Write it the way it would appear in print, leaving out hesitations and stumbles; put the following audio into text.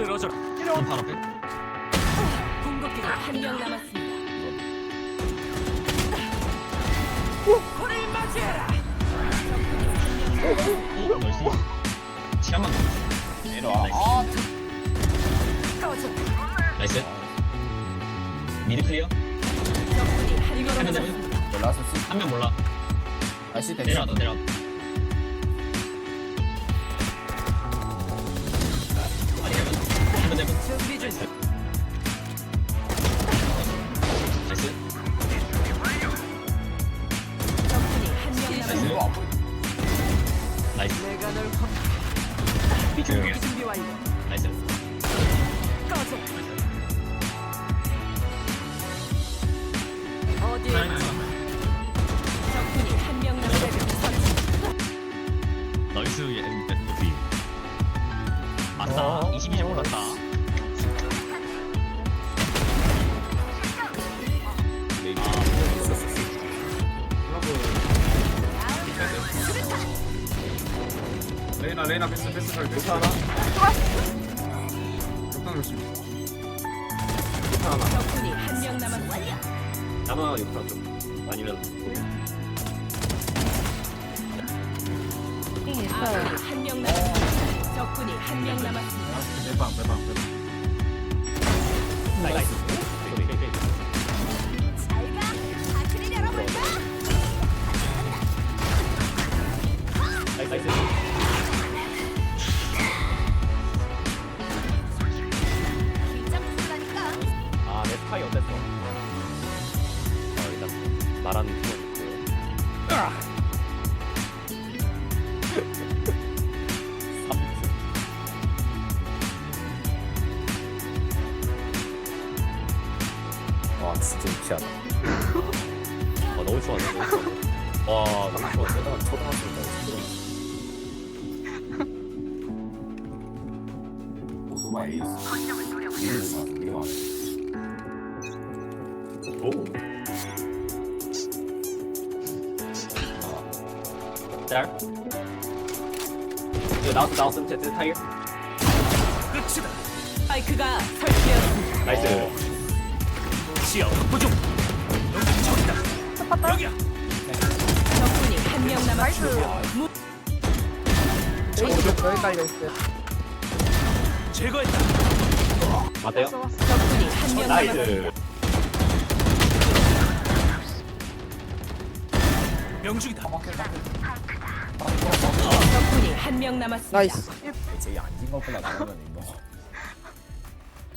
쓰러져라. 좀 바로 앞에. 궁극기가 한 명 남았습니다. 코를 맞이해라. 나이스. 치아만 남았어. 내려와. 꺼져. 나이스. 미드 클리어. 적군이 한 명 해면 남았습니다. 올라왔었어. 한 명 몰라. 다시 대기. 내려와, 너 내려와. 아니, 해면 해면. 준비 중. 나이스. 적군이 한 명 남았습니다. 이거 안 보여. 나이스. 내가 널 비중이야. 준비 완료. 나이스. 꺼져. 어디에 적군이 한 명 남았습니다. 나이스 MVP. 아싸. 22점 올랐다. 레이나 패스 잘 돼. 하나. 적당 조심. 적군이 한 명 남았습니다. 아마 욕탕 좀. 아니면. 아군이 한 명 남았습니다. 적군이 한 명 남았습니다. 매방. 나이스. 잘가. 아크릴 열어볼까? 나이스. 긴장 풀라니까. 아, 내 스파이 어땠어? 일단 말하는 건 있고요. 와 진짜 유치하다. 너무 좋아하네. 너무 좋아하네. 와, 너무 좋아하네. 초등학생이다. 오토바이 에이스. 이거 오. 짤. 이거 나왔어. 제트 타이어. 끝이다. 스파이크가 설치되었습니다. 나이스. 시야 확보 중. 여기 저기다. 여기야. 적군이 한 명 남았습니다. 제거했다. 맞아요? 적군이 한 명 남았습니다. 나이스. 명중이다. 적군이 한 명 남았습니다. 제일 안진 거보다 나가면 이거.